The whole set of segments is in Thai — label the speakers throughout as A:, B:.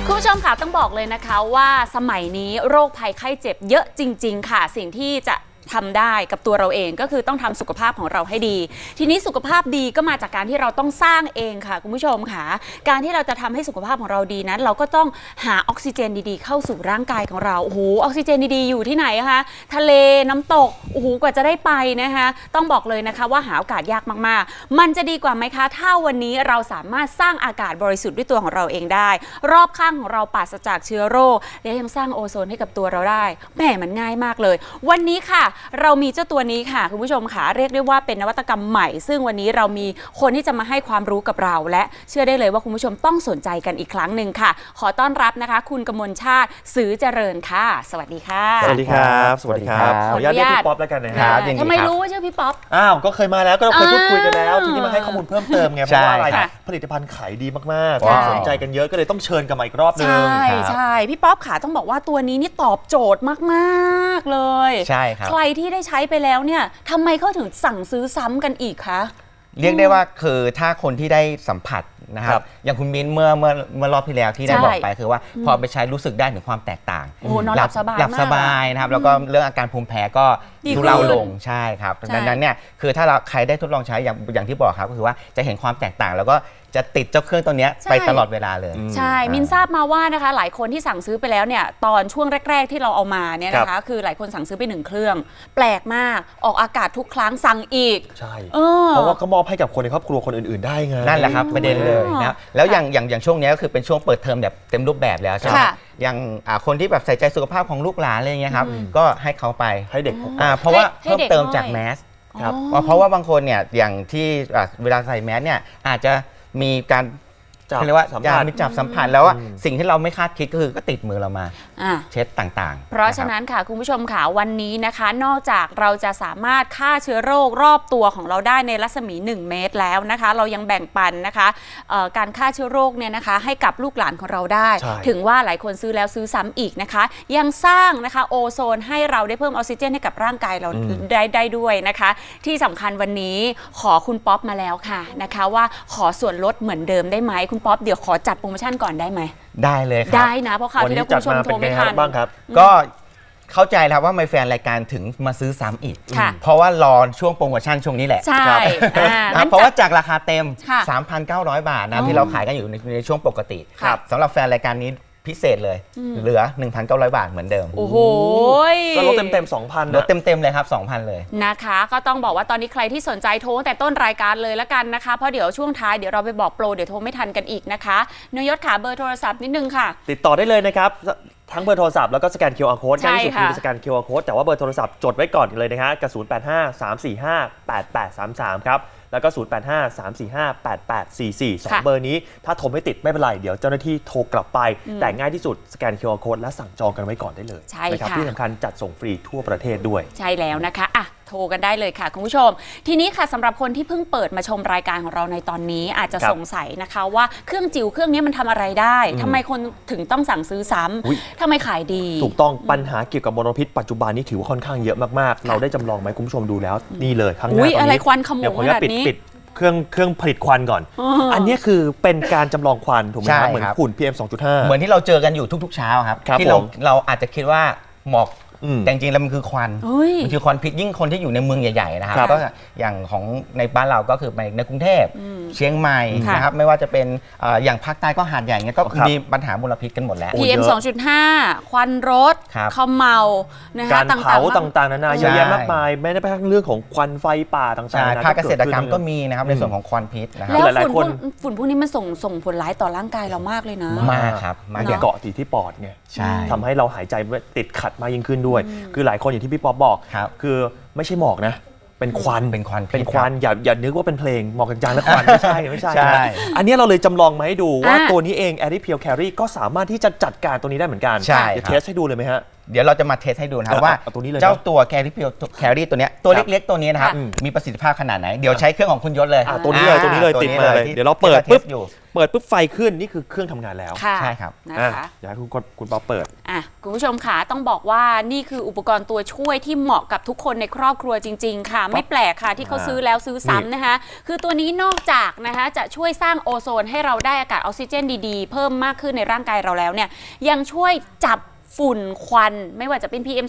A: คุณผู้ชมค่ะต้องบอกเลยนะคะว่าสมัยนี้โรคภัยไข้เจ็บเยอะจริงๆค่ะสิ่งที่จะทำได้กับตัวเราเองก็คือต้องทำสุขภาพของเราให้ดีทีนี้สุขภาพดีก็มาจากการที่เราต้องสร้างเองค่ะคุณผู้ชมค่ะการที่เราจะทำให้สุขภาพของเราดีนั้นเราก็ต้องหาออกซิเจนดีๆเข้าสู่ร่างกายของเราโอ้โหออกซิเจนดีๆอยู่ที่ไหนคะทะเลน้ำตกโอ้โหกว่าจะได้ไปนะคะต้องบอกเลยนะคะว่าหาโอกาสยากมากๆมันจะดีกว่าไหมคะถ้าวันนี้เราสามารถสร้างอากาศบริสุทธิ์ด้วยตัวของเราเองได้รอบข้างของเราปราศจากเชื้อโรคและยังสร้างโอโซนให้กับตัวเราได้แหมมันง่ายมากเลยวันนี้ค่ะเรามีเจ้าตัวนี้ค่ะคุณผู้ชมค่ะเรียกได้ว่าเป็นนวัตกรรมใหม่ซึ่งวันนี้เรามีคนที่จะมาให้ความรู้กับเราและเชื่อได้เลยว่าคุณผู้ชมต้องสนใจกันอีกครั้งหนึ่งค่ะขอต้อนรับนะคะคุณกมลชาติสือเจริญค่ะสวัสดีค่ะ
B: สวัสดีครับสวัสดีครับขออนุญาตเรียกพี่ป๊อปแล้วกันนะครับ
A: ทำไมรู้ว่าชื่อพี่ป๊อป
B: อ้าวก็เคยมาแล้วก็เราเคยพูดคุยกันแล้วทีนี้มาให้ข้อมูลเพิ่มเติมไงเพราะว่าอะไรผลิตภัณฑ์ขายดีมากๆสนใจกันเยอะก็เลยต้องเชิญกันมาอีกรอบนึง
A: ใช่พี่ป๊อปค่ะต้องบอกว่าตัวนี้นี่ตอบโจทย์มากๆเลย
C: ใช่ครับ
A: ใครที่ได้ใช้ไปแล้วเนี่ยทำไมเขาถึงสั่งซื้อซ้ำกันอีกคะ
C: เรียกได้ว่าคือถ้าคนที่ได้สัมผัสนะครับอย่างคุณมิ้นเมื่อรอบที่แล้วที่ได้บอกไปคือว่าพอไปใช้รู้สึกได้ถึงความแตกต่าง
A: นอนหลับ
C: สบายนะครับแล้วก็เรื่องอาการภูมิแพ้ก็ทุเลาลงใช่ครับดังนั้นเนี่ยคือถ้าเราใครได้ทดลองใช้อย่างที่บอกครับก็คือว่าจะเห็นความแตกต่างแล้วก็จะติดเจ้าเครื่องตัวนี้ไปตลอดเวลาเลย
A: ใช่มินทราบมาว่านะคะหลายคนที่สั่งซื้อไปแล้วเนี่ยตอนช่วงแรกๆที่เราเอามาเนี่ยนะคะคือหลายคนสั่งซื้อไป1เครื่องแปลกมากออกอากาศทุกครั้งสั่งอีก
B: ใช่เพราะว่าเขามอบให้กับคนในครอบครัวคนอื่นๆได้ไง
C: นั่นแหละครับประเด็นเลยนะแล้วอย่างช่วงนี้ก็คือเป็นช่วงเปิดเทอมแบบเต็มรูปแบบแล้วใช่ไหมอย่างคนที่แบบใส่ใจสุขภาพของลูกหลานอะไรเงี้ยครับก็ให้เขาไป
B: ให้เด็ก
C: เพราะว่าเพิ่มเติมจากแมสเพราะว่าบางคนเนี่ยอย่างที่เวลาใส่แมสเนี่ยอาจจะมีการเรียกว่ามีจับสัมผัสแล้วว่าสิ่งที่เราไม่คาดคิดก็คือก็ติดมือเรามาเช็ดต่างๆ
A: เพราะฉะนั้นค่ะคุณผู้ชมค่ะวันนี้นะคะนอกจากเราจะสามารถฆ่าเชื้อโรครอบตัวของเราได้ในรัศมี1เมตรแล้วนะคะเรายังแบ่งปันนะคะการฆ่าเชื้อโรคเนี่ยนะคะให้กับลูกหลานของเราได้ถึงว่าหลายคนซื้อแล้วซื้อซ้ำอีกนะคะยังสร้างนะคะโอโซนให้เราได้เพิ่มออกซิเจนให้กับร่างกายเราได้ด้วยนะคะที่สำคัญวันนี้ขอคุณป๊อปมาแล้วค่ะนะคะว่าขอส่วนลดเหมือนเดิมได้ไหมคุณป๊อปเดี๋ยวขอจัดโปรโมชั่นก่อนได้ไหม
C: ได้เลยครับ
A: ได้นะเพราะคราวที่แล้วคุณผู้ชมโทรไม่ทัน
B: บ้างครับ
C: ก็เข้าใจแล้วว่าแฟนรายการถึงมาซื้อซ้ำอีกเพราะว่ารอช่วงโปรโมชั่นช่วงนี้แหละ
A: ใช่
C: เพราะว่าจากราคาเต็ม 3,900 บาทนะที่เราขายกันอยู่ในช่วงปกติสำหรับแฟนรายการนี้พิเศษเลยเหลือ 1,900 บาทเหมือนเดิม
A: โอ้โห
B: ก็ลดเต็ม 2,000
C: ลดเต็มเลยครับ 2,000 เลย
A: นะคะก็ต้องบอกว่าตอนนี้ใครที่สนใจโทรแต่ต้นรายการเลยละกันนะคะเพราะเดี๋ยวช่วงท้ายเดี๋ยวเราไปบอกโปรเดี๋ยวโทรไม่ทันกันอีกนะคะนยศขาเบอร์โทรศัพท์นิดนึงค่ะ
B: ติดต่อได้เลยนะครับทั้งเบอร์โทรศัพท์แล้วก็สแกน QR Code ง่ายที่สุดคือสแกน QR Code แต่ว่าเบอร์โทรศัพท์จดไว้ก่อนเลยนะฮะกับ0853458833ครับแล้วก็0853458844 2เบอร์นี้ถ้าโทรไม่ติดไม่เป็นไรเดี๋ยวเจ้าหน้าที่โทรกลับไปแต่ง่ายที่สุดสแกน QR Code และสั่งจองกันไว้ก่อนได้เลยนะครับที่สำคัญจัดส่งฟรีทั่วประเทศด้วย
A: ใช่แล้วนะคะอ่ะโทรกันได้เลยค่ะคุณผู้ชมทีนี้ค่ะสำหรับคนที่เพิ่งเปิดมาชมรายการของเราในตอนนี้อาจจะสงสัยนะคะว่าเครื่องจิ๋วเครื่องนี้มันทำอะไรได้ทำไมคนถึงต้องสั่งซื้อซ้ำทำไมขายดี
B: ถูกต้องปัญหาเกี่ยวกับมลพิษปัจจุบันนี้ถือว่าค่อนข้างเยอะมากๆเราได้จำลองไหมคุณผู้ชมดูแล้วนี่เลยข้างหน้าตอนนี้
A: อะไรควันขโมงขนาดนี้
B: ปิดเครื่องผลิตควันก่อนอันนี้คือเป็นการจำลองควันถูกไหมครับเหมือนฝุ่น PM 2.5
C: เหมือนที่เราเจอกันอยู่ทุกๆเช้าครับที่เราอาจจะคิดว่าหมอกแต่จริงๆแล้วมันคือควันมันคือควันพิษยิ่งคนที่อยู่ในเมืองใหญ่ๆนะครับก็อย่างของในบ้านเราก็คือในกรุงเทพเชียงใหม่นะครับไม่ว่าจะเป็นอย่างภาคใต้ก็หาดใหญ่เงี้ยก็มีปัญหามลพิษกันหมดแล้ว
A: PM 2.5 ควันรถเขม่านะคะ
B: การเผาต่างๆนานาเยอะแยะมากมายแม้แต่เรื่องของควันไฟป่าต่าง
C: ๆภาคเกษตรกรรมก็มีนะครับในส่วนของควันพิษนะครับ
A: แล้วฝุ่นพวกนี้มันส่งผลร้ายต่อร่างกายเรามากเลยนะ
C: มากครับ
B: มันเกาะติดที่ปอดไงทำให้เราหายใจติดขัดมากยิ่งขึ้นด้วยคือหลายคนอย่างที่พี่ป๊อปบอกคือไม่ใช่หมอกนะเป็นควันอย่านึกว่าเป็นเพลงหมอกจางๆและควันไม่ใช่อันนี้เราเลยจำลองมาให้ดูว่าตัวนี้เอง Adipure Carry ก็สามารถที่จะจัดการตัวนี้ได้เหมือนกันเดี๋ยวเทสให้ดูเลยไหมฮะ
C: เดี๋ยวเราจะมาเทสให้ดูนะครับว่า
B: เอาตัวนี้เลย
C: เจ้าตัวแครี่ตัวเนี้ยตัวเล็กๆตัวนี้นะครับมีประสิทธิภาพขนาดไหนเดี๋ยวใช้เครื่องของคุณยศเลย
B: ตัวนี้เลยติดมาเลยเดี๋ยวเราเปิด
C: ที่
B: ปุ๊บ
C: อยู่
B: เปิดปุ๊บไฟขึ้นนี่คือเครื่องทำงานแล้ว
A: ค่ะ
C: ใช่ครับ
A: นะคะ
B: อยากให้คุณป๊อปเปิด
A: คุณผู้ชมค่ะต้องบอกว่านี่คืออุปกรณ์ตัวช่วยที่เหมาะกับทุกคนในครอบครัวจริงๆค่ะไม่แปลกค่ะที่เขาซื้อแล้วซื้อซ้ำนะคะคือตัวนี้นอกจากนะคะจะช่วยสร้างโอโซนให้เราได้อากาศออกซิเจนดีๆเพิ่มมากขึ้นในร่างกายเราแล้วเนี่ยยังช่วยจับฝุ่นควันไม่ว่าจะเป็น PM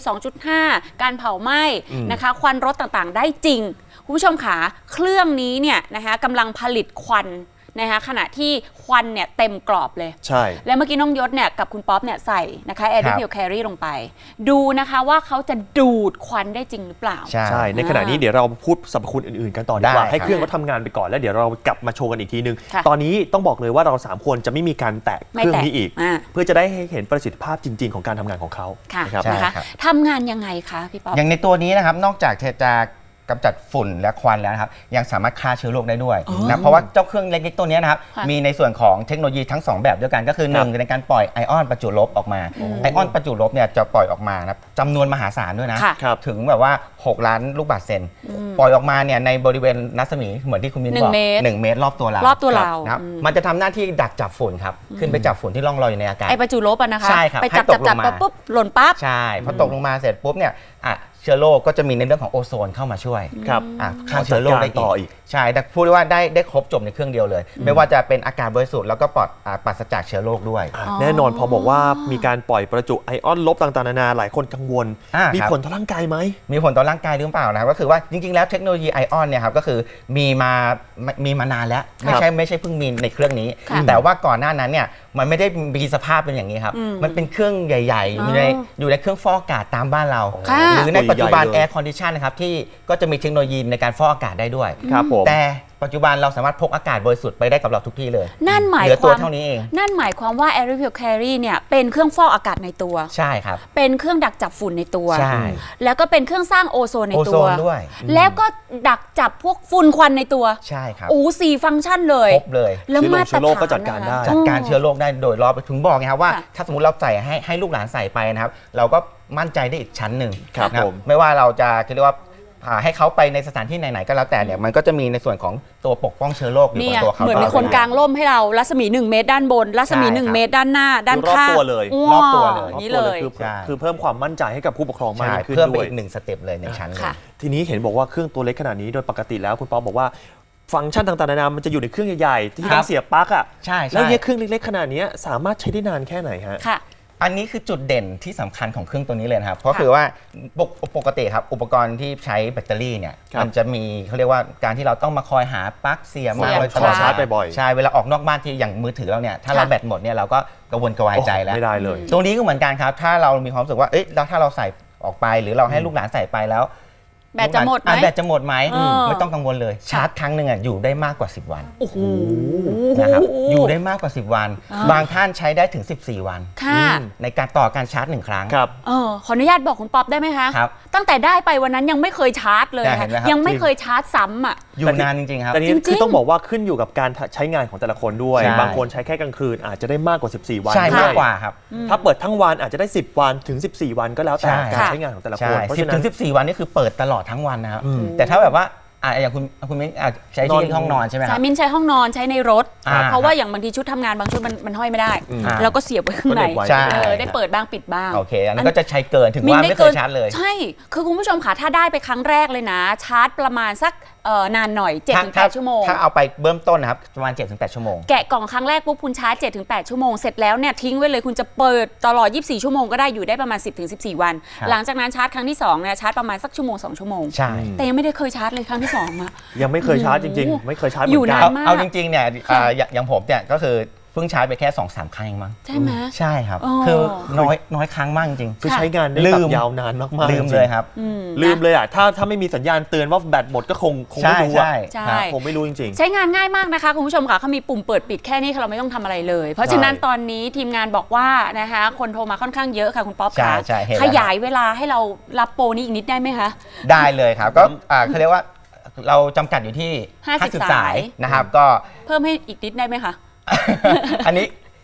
A: 2.5 การเผาไหม้นะคะควันรถต่างๆได้จริงคุณผู้ชมค่ะเครื่องนี้เนี่ยนะคะกำลังผลิตควันนะคะขณะที่ควันเนี่ยเต็มกรอบเลย
B: ใช่
A: แล้วเมื่อกี้น้องยศเนี่ยกับคุณป๊อปเนี่ยใส่นะคะ Air Pure Carry ลงไปดูนะคะว่าเขาจะดูดควันได้จริงหรือเปล่า
B: ใช่ในขณะนี้เดี๋ยวเราพูดสรรพคุณอื่นๆกันต่อดีกว่าให้เครื่องเขาทำงานไปก่อนแล้วเดี๋ยวเรากลับมาโชว์กันอีกทีนึงตอนนี้ต้องบอกเลยว่าเรา3คนจะไม่มีการแตะเครื่องนี้อีกเพื่อจะได้ให้เห็นประสิทธิภาพจริงๆของการทำงานของเขา
A: นะคะทำงานยังไงคะพี่ป๊อป
C: อย่างในตัวนี้นะครับนอกจากจะกำจัดฝุ่นและควันแล้วนะครับยังสามารถฆ่าเชื้อโรคได้ด้วยนะเพราะว่าเจ้าเครื่องเล็กๆตัวนี้นะครับมีในส่วนของเทคโนโลยีทั้ง2แบบด้วยกันก็คือ1ในการปล่อยไอออนประจุลบออกมาไอออนประจุลบเนี่ยจะปล่อยออกมานะจำนวนมหาศาลด้วยนะถึงแบบว่า6 ล้านลูกบาศก์เซนปล่อยออกมาเนี่ยในบริเวณรัศมีเหมือนที่คุณมิ้นบอก1 เมตรรอบตัวเรานะครับมันจะทำหน้าที่ดักจับฝุ่นครับขึ้นไปจับฝุ่นที่ล่องลอยอยู่ในอากาศ
A: ไอประจุลบนะคะ
C: ใช่ครับ
A: ไปจับปุ๊บหล่นปั๊บ
C: ใช่พอตกลงมาเสร็จปุ๊บเนี่ยเชื้อโรคก็จะมีในเรื่องของโอโซนเข้ามาช่วยฆ่าเชื้อโรคได้อีกใช่แต่พูดว่าได้ครบจบในเครื่องเดียวเลยไม่ว่าจะเป็นอากาศบริสุทธิ์แล้วก็ปราศจากเชื้อโรคด้วย
B: แน่นอนพอบอกว่ามีการปล่อยประจุไอออนลบต่างๆนานาหลายคนกังวลมีผลต่อร่างกายไหม
C: มีผลต่อร่างกายหรือเปล่านะครับก็คือว่าจริงๆแล้วเทคโนโลยีไอออนเนี่ยครับก็คือมีมานานแล้วไม่ใช่เพิ่งมีในเครื่องนี้แต่ว่าก่อนหน้านั้นเนี่ยมันไม่ได้มีสภาพเป็นอย่างนี้ครับมันเป็นเครื่องใหญ่ๆอยู่ในเครื่องฟอกอากาศตามบ้านเราหรือในปัจจุบัน Air Condition นะครับที่ก็จะมีเทคโนโลยีในการฟอกอากาศได้ด้วยแต่ปัจจุบันเราสามารถพกอากาศบริสุทธิ์ไปได้กับเราทุกที่เลย
A: นั่นหมาย
C: ความเท่านี้เอง
A: นั่นหมายความว่า Air Pure Carry เนี่ยเป็นเครื่องฟอกอากาศในตัว
C: ใช่ครับ
A: เป็นเครื่องดักจับฝุ่นในตัว
C: ใช่
A: แล้วก็เป็นเครื่องสร้างโอโซนในตัว
C: ด้วย
A: แล้วก็ดักจับพวกฝุ่นควันในตัว
C: ใช่ครับ
A: 4 ฟังก์ชันเลย
C: ครบเลย
A: แล้วมาตรฐาน
B: ก็จัดการได้
C: จัดการเชื้อโรคได้โดยรอบถึงบอกไงครับว่าถ้าสมมติเราใส่ให้ลูกหลานใส่ไปนะครับเราก็มั่นใจได้อีกชั้นหนึ่งนะไม่ว่าเราจะเรียกว่าให้เขาไปในสถานที่ไหนๆก็แล้วแต่เนี่ยมันก็จะมีในส่วนของตัวปกป้องเชื้อโรคอยู่บนตัวเขา
A: เหมือนมีคนกลางร่มให้เรารัศมี1 เมตรด้านบนรัศมี1 เมตรด้านหน้าด้านข้าง
B: รอบตัวเลย
A: นี่เลย
B: คือเพิ่มความมั่นใจให้กับผู้ปกครองมากขึ้นด้วย
C: เพิ่มไปอีก1 สเต็ปเลยในชั้นเลย
B: ทีนี้เห็นบอกว่าเครื่องตัวเล็กขนาดนี้โดยปกติแล้วคุณป๊อปบอกว่าฟังก์ชันต่างๆนานามันจะอยู่ในเครื่องใหญ่ๆที่ต้องเสียบปลั๊ก
C: ใช่
B: แล้วเนี่ยเครื่องเล็กๆขนาดนี้สามารถใช้ได้นานแค่ไหนฮะ
C: อันนี้คือจุดเด่นที่สำคัญของเครื่องตัวนี้เลยนะครับเพราะคือว่าปกติครับอุปกรณ์ที่ใช้แบตเตอรี่เนี่ยมันจะมีเขาเรียกว่าการที่เราต้องมาคอยหาปลั๊กเสียบมา
B: คอยชาร์จบ่อย
C: ๆใช่เวลาออกนอกบ้านที่อย่างมือถือเราเนี่ยถ้าเราแบตหมดเนี่ยเราก็กระวนกระวายใจแล้ว
B: ไม่ได้เลย
C: ตรงนี้ก็เหมือนกันครับถ้าเรามีความรู้สึกว่าแล้วถ้าเราใส่ออกไปหรือเราให้ลูกหลานใส่ไปแล้ว
A: แบตจะหมดไหม
C: แบตจะหมดไหมไม่ต้องกังวลเลยชาร์จครั้งหนึ่งอยู่ได้มากกว่า10 วัน
A: โอ้โห
C: นะครับอยู่ได้มากกว่า10 วันบางท่านใช้ได้ถึง14 วันในการต่อการชาร์จ1 ครั้ง
B: ครับ
A: ขออนุญาตบอกคุณป๊อปได้ไหมคะตั้งแต่ได้ไปวันนั้นยังไม่เคยชาร์จเลยยังไม่เคยชาร์จซ้ำ
C: อยู่นานจริงๆครับ
B: แต่นี้คือต้องบอกว่าขึ้นอยู่กับการใช้งานของแต่ละคนด้วยบางคนใช้แค่กลางคืนอาจจะได้มากกว่า14 วัน
C: ใช่มากกว่าครับ
B: ถ้าเปิดทั้งวันอาจจะได้10 วันถึง14 วันก็แล้วแต่การใช้งานของแต่ละคน
C: เพราะฉะนั้น10 ถึง 14 วันนี่คือเปิดตลอดทั้งวันนะครับแต่ถ้าแบบว่าอย่างคุณมิ้นใช้ที่ห้องนอนใช่ไหมครับ
A: มิ้นใช้ห้องนอนใช้ในรถเพราะว่าอย่างบางทีชุดทำงานบางชุดมันห้อยไม่ได้แล้วก็เสียบไว้ข้างในได้เปิดบ้างปิดบ้าง
C: โอเคอันนั้นก็จะใช้เกินถึงว่าไม่เคยชาร์จเลย
A: ใช่คือคุณผู้ชมค่ะถ้าได้ไปครั้งแรกเลยนะชาร์จประมาณสักนานหน่อย 7-8 ชั่วโมง
C: ถ้าเอาไปเบื้องต้นนะครับประมาณ 7-8 ชั่วโมง
A: แกะกล่องครั้งแรกปุ๊บคุณชาร์จ 7-8 ชั่วโมงเสร็จแล้วเนี่ยทิ้งไว้เลยคุณจะเปิดตลอด24 ชั่วโมงก็ได้อยู่ได้ประมาณ 10-14 วันหลังจากนั้นชาร์จครั้งที่2เนี่ยชาร์จประมาณสักชั่วโมง2 ชั่วโมง
C: ใช่
A: แต่ยังไม่ได้เคยชาร์จเลยครั้งที่2มา
B: ยังไม่เคยชาร์จจริงๆไม่เคยชาร์จ
A: อยู่นานมาก
C: เอาจริงๆเนี่ยอย่างผมเนี่ยก็คือเพิ่งชาร์จไปแค่ 2-3 ครั้งเองมั้ง
A: ใช่ไหม
C: ใช่ครับคือน้อยครั้งมากจริง
B: คือใช้งานได้แบบยาวนานมากๆ
C: ลืมเลยครับ
B: ลืมเลยอ่ะถ้าไม่มีสัญญาณเตือนว่าแบตหมดก็คงไม่รู้อ่ะคงไม่รู้จริง
A: ๆใช้งานง่ายมากนะคะคุณผู้ชมค่ะเขามีปุ่มเปิดปิดแค่นี้เราไม่ต้องทำอะไรเลยเพราะฉะนั้นตอนนี้ทีมงานบอกว่านะคะคนโทรมาค่อนข้างเยอะค่ะคุณป๊อปค่ะขยายเวลาให้เรารับโปรนี้อีกนิดได้ไหมคะ
C: ได้เลยครับก็เขาเรียกว่าเราจำกัดอยู่ที่50 สายนะครับก็
A: เพิ่มให้อีกนิดได้ไหมคะ
C: อันนี้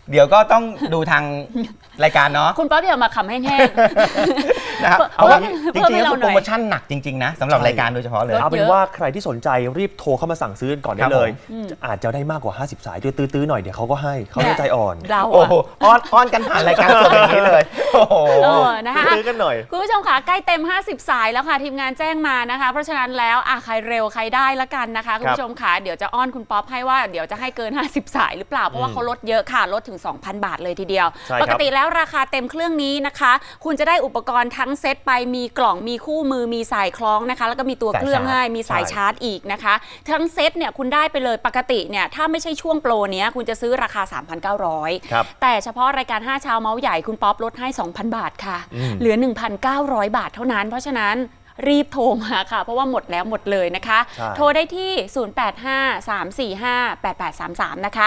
C: เดี๋ยวก็ต้องดูทางรายการเนาะ
A: คุณป๊อปอย่ามาขำแห้ง
C: นะครับ
A: เพิ่ม
C: เพราะว่า
A: เพิ่
C: จ
A: ม
C: ริง
A: ให้
C: ๆ
A: เรา
C: แล้ว
A: หน่อย
C: โปรโมชั่นหนักจริงๆนะสำหรับ
B: ใช่
C: รายการโดยเฉพาะเลย
A: ลด
B: เอาเป็นว่าใครที่สนใจรีบโทรเข้ามาสั่งซื้อก่อนได้เลย อาจจะได้มากกว่า 50 สายด้วยตื้อๆหน่อยเดี๋ยวเขาก็ให้เขาใจอ่อน
A: เรา
C: โอ้
A: อะ
C: โหอ้อนกันผ่านรายการสดอย่างนี้เลยโอ้โห
A: นะคะ
B: ตื้อกันหน่อย
A: คุณผู้ชมค่ะใกล้เต็ม 50 สายแล้วค่ะทีมงานแจ้งมานะคะ เพราะฉะนั้นแล้วใครเร็วใครได้ละกันนะคะคุณผู้ชมค่ะเดี๋ยวจะอ้อนคุณป๊อปให้ว่าเดี๋ยวจะให้เกิน 50 สายหรือเปล่าเพราะว่าเขาลดเยอะค่ะลดถึง 2,000 บาทเลยทีเดียว
B: ใช่ครับ
A: ปกติแล้วราคาเต็มเครื่องนี้นะคะ คุณจะได้อุปกรณ์ทั้งเซตไปมีกล่องมีคู่มือมีสายคล้องนะคะ แล้วก็มีตัวเครื่องให้มีสายชาร์จอีกนะคะ ทั้งเซตเนี่ยคุณได้ไปเลยปกติเนี่ยถ้าไม่ใช่ช่วงโปรเนี้ยคุณจะซื้อราคา 3,900
B: ครับ
A: แต่เฉพาะรายการ 5 เช้าเมาส์ใหญ่คุณป๊อปลดให้ 2,000 บาทค่ะ เหลือ 1,900 บาทเท่านั้น เพราะฉะนั้นรีบโทรมาค่ะ เพราะว่าหมดแล้วหมดเลยนะคะ
B: ใช่
A: โทรได้ที่ 0853458833 นะคะ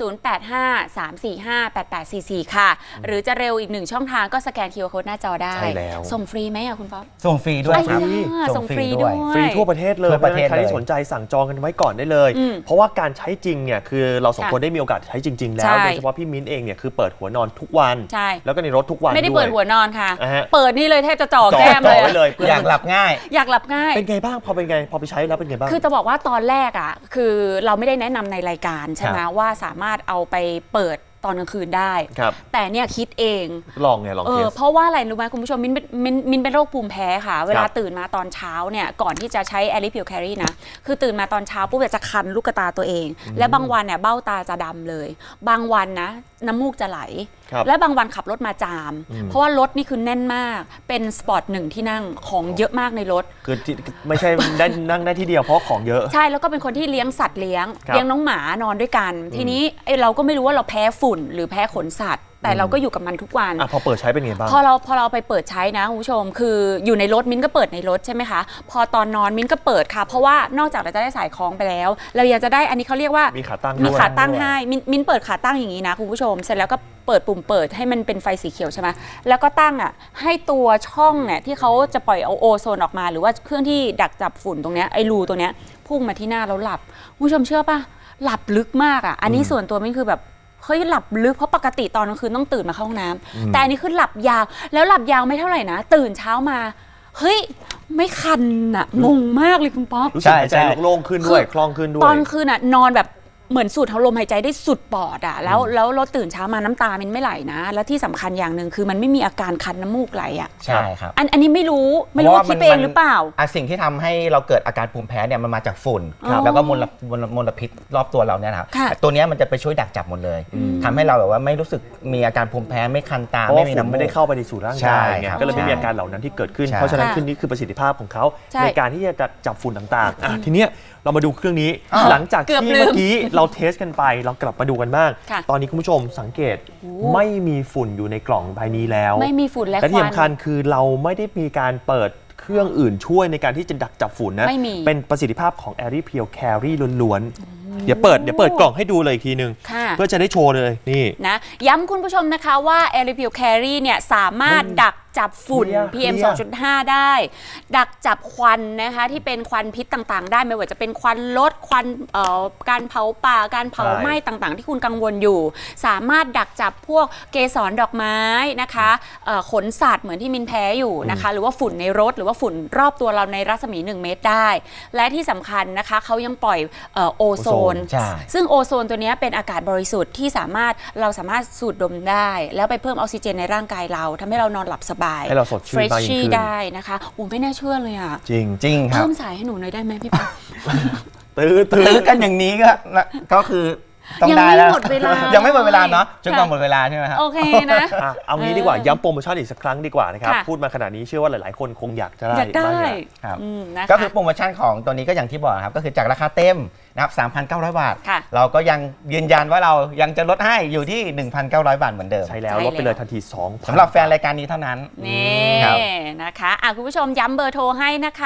A: 0853458844 ค่ะ หรือจะเร็วอีกหนึ่งช่องทางก็สแกน QR Code หน้าจอได้
B: ใช่แล้ว
A: ส่งฟรีไหมอะคุณป๊อป
C: ส่งฟรีด้วยครับ
A: ส่งฟรีด้วย
B: ฟรีทั่วประเทศเลย
C: ทั่วประเทศ
B: ใครที่
C: เลย
B: สนใจสั่งจองกันไว้ก่อนได้เลย เพราะว่าการใช้จริงเนี่ยคือเราสอง
A: ค่ะ
B: คนได้มีโอกาสใช้จริง ๆ แล้
A: ใช่
B: วโดยเฉพาะพี่มิ้นเองเนี่ยคือเปิดหัวนอนทุกวัน
A: ใช่
B: แล้วก็ในรถทุกวัน
A: ไม่ได้
B: ด้วย
A: เปิดหัวนอนค่ะ
B: อ่าฮะ
A: เปิดนี่เลยแทบจะจ่อ
B: จ่อ
A: แก้มเลย
B: ไว้เลย
C: อยากหลับง่าย
A: อยากหลับง่าย
B: เป็นไงบ้างพอเป็นไงพอไปใช้แล้วเป็นไงบ้าง
A: คือจะบอกว่าตอนแรกอ่ะคือเราไม่ได้แนะนำในรายการใช่ไหม
B: ครับ
A: ว่าสามารถเอาไปเปิดตอนกลางคืนได้
B: ครับ
A: แต่เนี่ยคิดเอง
B: ลองไงลองเทส
A: เพราะว่าอะไรรู้ไหมคุณผู้ชมมินเป็นโรคภูมิแพ้ค่ะ เวลาตื่นมาตอนเช้าเนี่ยก่อนที่จะใช้แอริพิวแครีนะคือตื่นมาตอนเช้าปุ๊บจะคันลูกตาตัวเอง และบางวันเนี่ยเบ้าตาจะดำเลย บางวันนะน้ำมูกจะไหล
B: ครับ
A: และบางวันขับรถมาจาม เพราะว่ารถนี่คือแน่นมากเป็นสปอร์ตหนึ่งที่นั่งของเยอะมากในรถ
B: คือที่ไม่ใช่ได้นั่งได้ที่เดียวเพราะของเยอะ
A: ใช่แล้วก็เป็นคนที่เลี้ยงสัตว์เลี้ยง
B: ครับ
A: เลี้ยงน้องหมานอนด้วยกัน ทีนี้เราก็ไม่รู้ว่าเราแพ้ฝุ่นหรือแพ้ขนสัตว์ แต่เราก็อยู่กับมันทุกวัน
B: พอเปิดใช้เป็นไงบ้าง
A: พอเราไปเปิดใช้นะคุณผู้ชมคืออยู่ในรถมิ้นก็เปิดในรถใช่ไหมคะพอตอนนอนมิ้นก็เปิดค่ะเพราะว่านอกจากเราจะได้สายคล้องไปแล้ว เรายังจะได้อันนี้เขาเรียกว่า
B: มีขาตั้ง
A: มี
B: ด้วย
A: ขาตั้งให้มิ้นเปิดขาตั้งอย่างนี้นะคุณผู้ชมเสร็จแล้วก็เปิดปุ่มเปิดให้มันเป็นไฟสีเขียวใช่ไหมแล้วก็ตั้งให้ตัวช่องเนี่ยที่เขาจะปล่อยเอาโอโซนออกมาหรือว่าเครื่องที่ดักจับฝุ่นตรงเนี้ยไอ้รูตรงเนี้ยพุ่งมาที่หน้าแล้วหลับคุณผู้ชมเชื่อป่ะหลับลึกมากอันนี้ส่วนตัวมิ้นคือแบบเฮ้ยหลับลึกเพราะปกติตอนกลางคืนต้องตื่นมาเข้าห้องน้ำแต่อันนี้คือหลับยาวแล้วหลับยาวไม่เท่าไหร่นะตื่นเช้ามาเฮ้ยไม่คันงงมากเลยคุณป๊อป
B: รู้สึกหายใจโล่งขึ้นด้วยคล่องขึ้นด้วย
A: ตอนคืนนอนแบบเหมือนสูดลมหายใจได้สุดปอดแล้วเราตื่นเช้ามาน้ำตามันไม่ไหลนะแล้วที่สำคัญอย่างหนึ่งคือมันไม่มีอาการคันน้ำมูกไหล
C: ใช่ครับ
A: อันนี้ไม่รู้ว่าคิดเองหรือเปล่า
C: สิ่งที่ทำให้เราเกิดอาการภูมิแพ้เนี่ยมันมาจากฝุ่น
A: ครับ
C: แล้วก็มลพิษรอบตัวเราเนี่ยนะครับ
A: ค่ะ
C: ตัวเนี้ยมันจะไปช่วยดักจับหมดเลยทำให้เราแบบว่าไม่รู้สึกมีอาการภูมิแพ้ไม่คันตา
B: เพราะ
C: ไม่
B: ว่า
C: มี
B: ฝุ่น
C: น้ำมู
B: ไม่ได้
C: ก
B: เข้าไปในสู่ร่าง
C: ใช่
B: กายไง
C: ครับ
B: ก็เลยไม่มี
C: ใช่
B: อาการเหล่านั้นที่เกิดขึ้น
C: ใช่
B: เพราะฉะนั้น
A: ค่ะ
B: คือนี่คือประสิทธิภาพของเขา
A: ใช่
B: ในการที่จะจับฝุ่นต่างๆทีเนี้ยเรามาดูเครื่องนี้ หลังจาก
A: เกือบ
B: ที่
A: ลืม
B: เมื่อกี้เราเทสกันไปเรากลับมาดูกันบ้าง
A: ค่ะ
B: ตอนนี้คุณผู้ชมสังเกตไม่มีฝุ่นอยู่ในกล่องใบนี้แล้ว
A: ไม่มีฝุ่นและ
B: และ
A: ค
B: ที่
A: วัน
B: สำคัญคือเราไม่ได้มีการเปิดเครื่องอื่นช่วยในการที่จะดักจับฝุ่นนะ
A: ไม่มี
B: เป็นประสิทธิภาพของ a i r p u r e Carry ล้วนๆเดี๋ยวเปิดกล่องให้ดูเลยอีกทีนึง
A: ค่ะ
B: เพื่อจะได้โชว์เลยนี่
A: นะย้ำคุณผู้ชมนะคะว่า a i r p u r e Carry เนี่ยสามารถดักจับฝุ่น
B: เคลียร์
A: PM 2.5 ได้ ดักจับควันนะคะที่เป็นควันพิษต่างๆ ได้ไม่ว่าจะเป็นควันรถควันการเผาป่าการเผาไหม้ต่างๆ ที่คุณกังวลอยู่ สามารถดักจับพวกเกสรดอกไม้นะคะขนสัตว์เหมือนที่มินแพ้อยู่นะคะหรือว่าฝุ่นในรถหรือว่าฝุ่นรอบตัวเราในรัศมี 1 เมตรได้ และที่สำคัญนะคะเขายังปล่อยโอโซน
C: ใช่
A: ซึ่งโอโซนตัวนี้เป็นอากาศบริสุทธิ์ที่เราสามารถสูดดมได้ แล้วไปเพิ่มออกซิเจนในร่างกายเราทำให้เรานอนหลับสบาย
B: ให้เราสดชื่นมากยิ่งขึ้น
A: ได้นะคะไม่น่าเชื่อเลยอ่ะ
B: จริง
C: จริงครับ
A: เพิ่มสายให้หนูหน่อยได้ไหมพี่ป๊อป
C: ตื้อกันอย่างนี้ก็คือต้อง
A: ยัง
C: ได้
A: ไม่
C: แล้ว
A: หมดเวลายั
C: ยังไม่หมดเวลาเนาะจนกว่า
A: ค่ะ
C: หมดเวลาใช่ไหมครับ
A: โอเคนะ
B: เอางี้ดีกว่าย้ำโปรโมชั่นอีกสักครั้งดีกว่านะครับ
A: ค่ะ
B: พูดมาขนาดนี้เชื่อว่าหลาย ๆ คนคงอยากจะได้
A: อยากได้
B: บ้างแหละ
C: ครับ
A: นะคะ
C: ก็คือโปรโมชั่นของตัวนี้ก็อย่างที่บอกครับก็คือจากราคาเต็มนะครับ 3,900 บาท
A: ค่ะ
C: เราก็ยังยืนยันว่าเรายังจะลดให้อยู่ที่ 1,900 บาทเหมือนเดิม
B: ใช่แล้ว
A: ใช่
B: ลดไปเลย
A: แล้ว
B: ทันที2,000
C: สำหรับแฟนรายการนี้เท่านั้น
A: นี่
C: ครับ
A: นะคะคุณผู้ชมย้ำเบอร์โทรให้นะคะ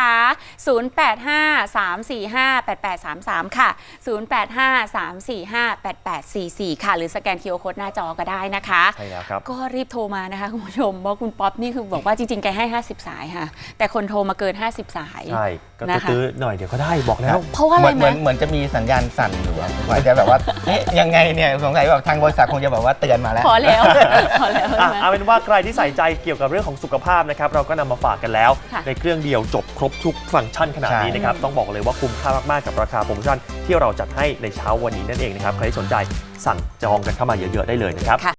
A: 0853458833 ค่ะ 0853458844 ค่ะ หรือสแกน QR Code หน้าจอก็ได้นะคะ
B: ใช่แล้วครับ
A: ก็รีบโทรมานะคะคุณผู้ชมเพราะคุณป๊อปนี่คือบอกว่าจริงๆ แกให้ 50 สายค่ะ แต่คนโทรมาเกิน 50 สาย
B: ใช่ก็
A: นะคะ
B: ตื้อๆหน่อยเดี๋ยวก็ได้บอกแล้ว
A: เพราะว่าอะไรไหม
C: เหมือนจะมีสัญญาณสั่นอยู่อาจจะแบบว่าเอ๊ะยังไงเนี่ยสงสัยแบบทางบริษัทคงจะแบบว่าเตือนมาแล้ว
A: พอแล้ว พอแล้วใช่ไหม
B: เอาเป็นว่าใครที่ใส่ใจเกี่ยวกับเรื่องของสุขภาพนะครับเราก็นำมาฝากกันแล้ว
A: ค่ะ
B: ในเครื่องเดียวจบครบทุกฟังก์ชันขนาดนี้นะครับต้องบอกเลยว่าคุ้มค่ามากๆกับราคาโปรโมชั่นที่เราจัดให้ในเช้าวันนี้นั่นเองนะครับใครที่สนใจสั่งจองกันเข้ามาเยอะๆได้เลยนะครับ